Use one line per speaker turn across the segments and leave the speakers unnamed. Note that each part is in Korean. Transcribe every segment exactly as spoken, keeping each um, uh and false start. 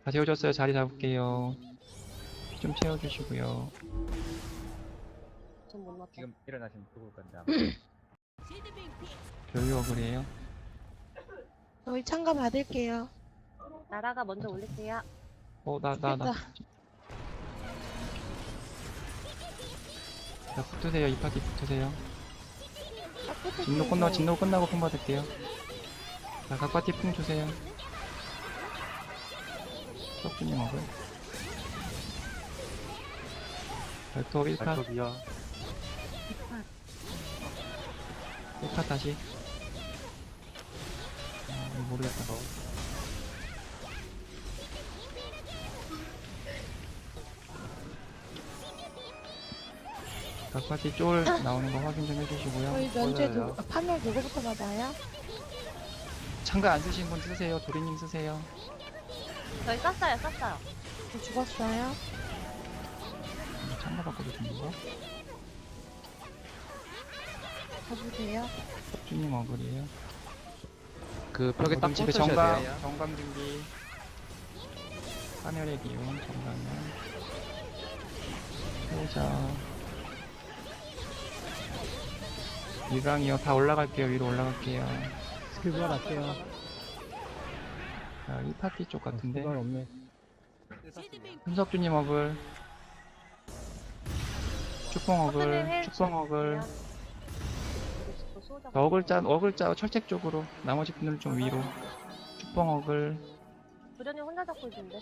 다 재워졌어요. 자리 잡을게요. 피 좀 채워주시고요.
전 못 났다.
지금 일어나시면 죽을 건데 아마.
별유어글이에요.
저희 참가 받을게요.
나라가 먼저 올릴게요.
어, 나, 나, 나.
됐다.
자, 붙으세요. 이 파티 붙으세요.
아,
진로 끝나, 진로 끝나고 품 받을게요. 자, 각 파티 풍 주세요. 석준님 어글. 발톱 일 파.
발톱이요.
일 파 다시. 아, 이거 모르겠다. 각 파티 쫄 나오는 거 확인 좀 해주시고요.
저희 면제
보여요.
누구, 아, 판매 누구부터 받아요?
참가 안 쓰신 분 쓰세요. 도리님 쓰세요.
저희 썼어요, 썼어요.
저 죽었어요.
참가 바꿔도 되는 거?
가보세요.
석준님 어글이에요.
그 벽에 딱
모든 집에
꽂으셔야
정강,
돼요.
정강 준비. 하늘의 기운, 정강은. 보자. 일강이요. 다 올라갈게요. 위로 올라갈게요.
스킬 부활할게요.
자, 이 파티 쪽 같은데.
부활 없네.
hun석주님 어글. 축봉 어글, 축봉 어글. 자, 어글자, 어글자 철책 쪽으로. 나머지 분들 좀 위로. 축봉 어글.
부련이 혼자 잡고 있는데.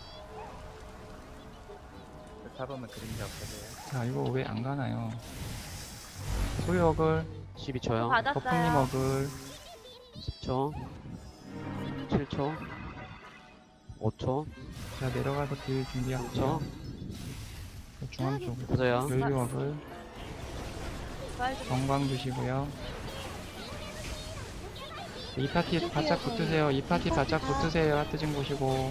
잡으면 그림자 없어져요.
자, 이거 왜 안 가나요? 소유 어글,
십이 초요.
거품님
받았어요.
어글.
십 초. 칠 초. 오 초.
자, 내려가서 딜
삼
준비할게요.
초.
중앙 쪽으로.
보세요.
연료 어글.
부활 좀
정광 주시고요. 이 파티 바짝 붙으세요. 이 파티 바짝 붙으세요. 하트 좀 보시고.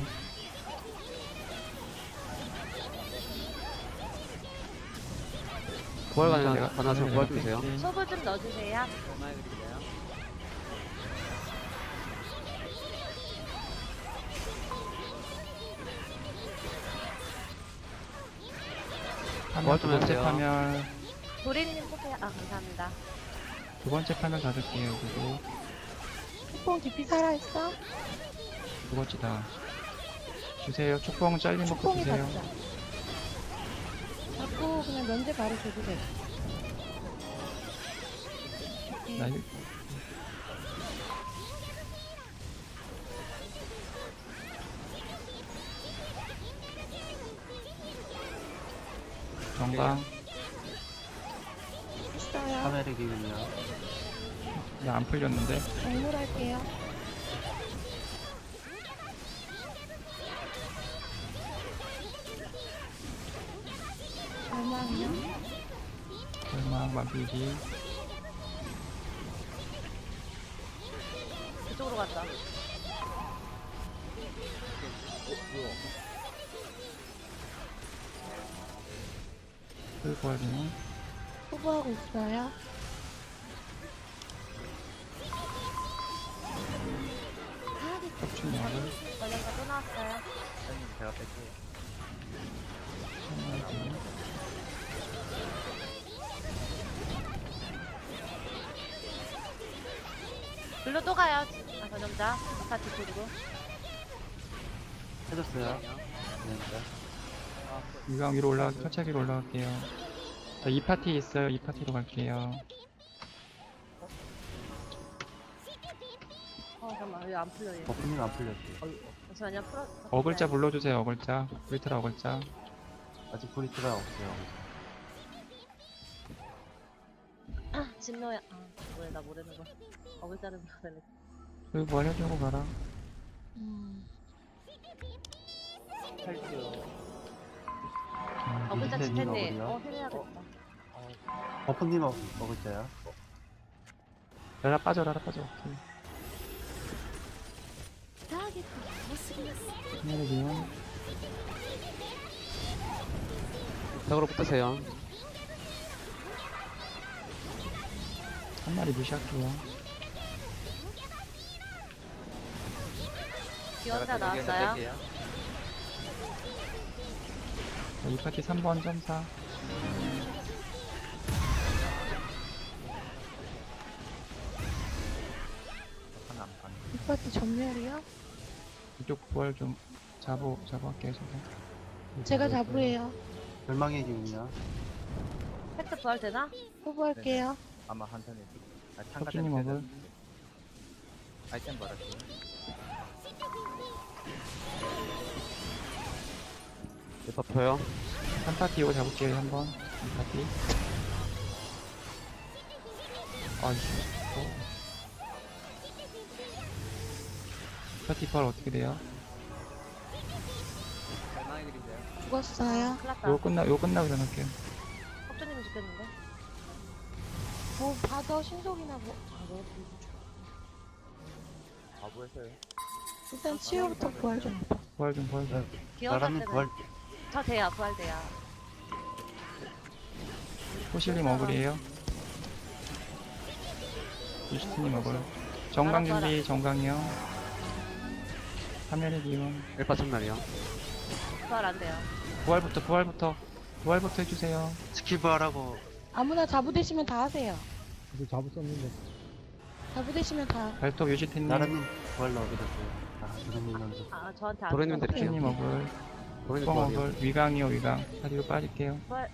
부활
내가-
가능, 가능하시면
내가
부활 주세요.
뺄게.
소부 좀 넣어주세요.
파멸 두 번째
도와주세요.
파멸.
도리님 뽑세요. 아, 감사합니다.
두 번째 파멸 닫을게요. 그리고
축봉 디피 살아있어?
두 번째다. 주세요. 축봉 잘린 먹고
축봉이
주세요.
받자. 자꾸 그냥 면제 바로 줘도 돼.
나 일- 정강.
있어요.
카메라 기운이요.
나 안 풀렸는데.
정물할게요. 절망이요.
절망 만필기.
그쪽으로 갔다.
끌고 하기는.
후보하고 있어요.
석춘 역을.
전현가 또 나왔어요.
선생님 제가 뺄게요.
천하기.
글로 또 가요. 아, 전염자. 파티 그리고.
해줬어요. 네.
유강 위로 올라가, 철책 위로 올라갈게요. 자, 이 파티 있어요. 이 파티로 갈게요.
어, 잠깐만. 왜 안 풀려, 얘.
거품이 안 풀렸어요.
잠시만요. 풀어.
어글자 불러주세요. 어글자. 브리트라 어글자.
아직 브리트가 없어요.
진노야. 아, 뭐야, 나 모르는 거. 어글자를 불러야 돼.
그리고 뭐 해주고 가라.
음.
자,
어글자
밑에
집했네.
어글이요?
어, 해야겠다.
거품님 먹을게요.
라라 빠져, 라라 빠져. 오케이. 하늘의 기운.
벽으로 붙으세요.
한 마리 무시할게요.
기원자 나왔어요.
자, 이 파티 삼 번 점사.
하나 안 가네.
이 파트 전멸이요?
이쪽 부활 좀 잡어, 잡어 할게요, 저거.
제가 잡으래요.
절망의 기운이요.
팩트 부활 되나?
후보할게요.
아마 한 턴에. 아,
혁준님 어글.
아이템 받았어요.
일 파 펴요.
한 파티 이거 잡을게요, 한 번. 이 파티. 아이씨. 어. 이 파티 부활 어떻게 돼요?
죽었어요.
큰일 났다.
요거 끝나, 요거 끝나고 전할게요.
혁준님이 죽겠는데?
뭐 받아 신속이나 뭐. 아, 뭐.
바보했어요.
일단 치유부터 부활 좀 해봐.
부활 좀, 부활 좀.
기어갈
나라님
때는
부활.
저 돼야 부활 돼야.
호실님 어글이에요. 유스트님 어글. 정강 준비, 정강이요. 화면의 기운.
일 파 천멸이요.
부활 안 돼요.
부활부터, 부활부터. 부활부터 해주세요.
스킬 부활하고.
아무나 자부되시면 다 하세요.
이제 잡을 수 없는데.
자부되시면 다.
발톱 유지태님.
나라님 부활 넣게 됐어요. 아, 도련님 먼저.
아 저한테 안
도련님
돼요.
드릴게요.
혁준님 어글.
도련님
뻥
부활이요.
어글. 위강이요, 위강. 다리로 빠질게요.
부활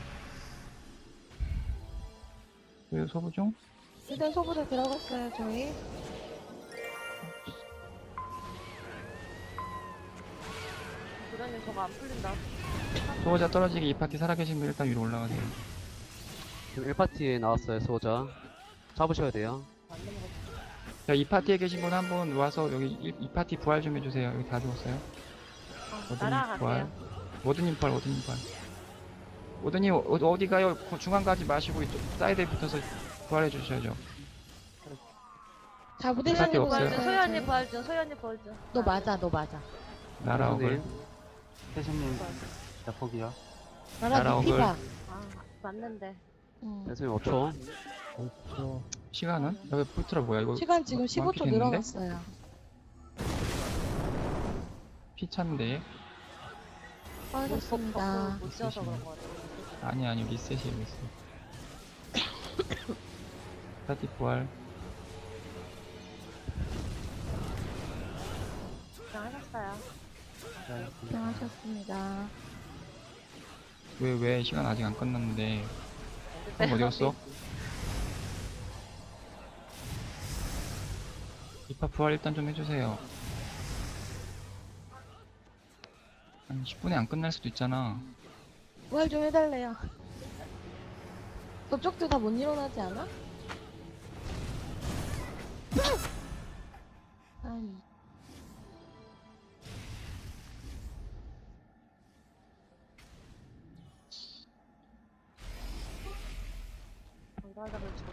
그리고 소부 중.
일단 소부대 들어갔어요 저희.
도련님 저거 안 풀린다.
수호자 떨어지기 이 파티 살아계신 분 일단 위로 올라가세요.
지금 일 파티에 나왔어요, 수호자. 잡으셔야 돼요.
안 넘어갔어.
자, 이 파티에 계신 분 한 분 와서 여기 이, 이 파티 부활 좀 해주세요. 여기 다 죽었어요.
아,
모드님
날아갈게요.
부활. 모드님 부활, 모드님 부활. 모드님 어, 어디 가요? 그 중앙 가지 마시고 이쪽 사이드에 붙어서 부활해 주셔야죠.
자부되시는
파티
분
없어요.
부활 중, 소연이 부활 중, 소연이 부활 중.
너 맞아 너 맞아.
나라 어글.
태신님, 자폭이요.
나라
나라
니 피봐.
아, 맞는데.
응.
댄스님 오 초.
없어.
시간은? 여기 풀트라 뭐야 이거?
시간 지금
마-
십오 초
많게 됐는데?
늘어났어요.
피 찬데.
빠졌습니다.
못 지어서 그런 거 같아.
아니 아니 리셋이에요 리셋. 파티 부활.
그냥 하셨어요.
고생하셨습니다.
왜 왜 시간 아직 안 끝났는데. 그럼 어디 갔어? 이파 부활 일단 좀 해주세요. 아니 십 분에 안 끝날 수도 있잖아.
부활 좀 해달래요. 저쪽도 다 못 일어나지 않아? 아니.
이거 하다가 죽었어.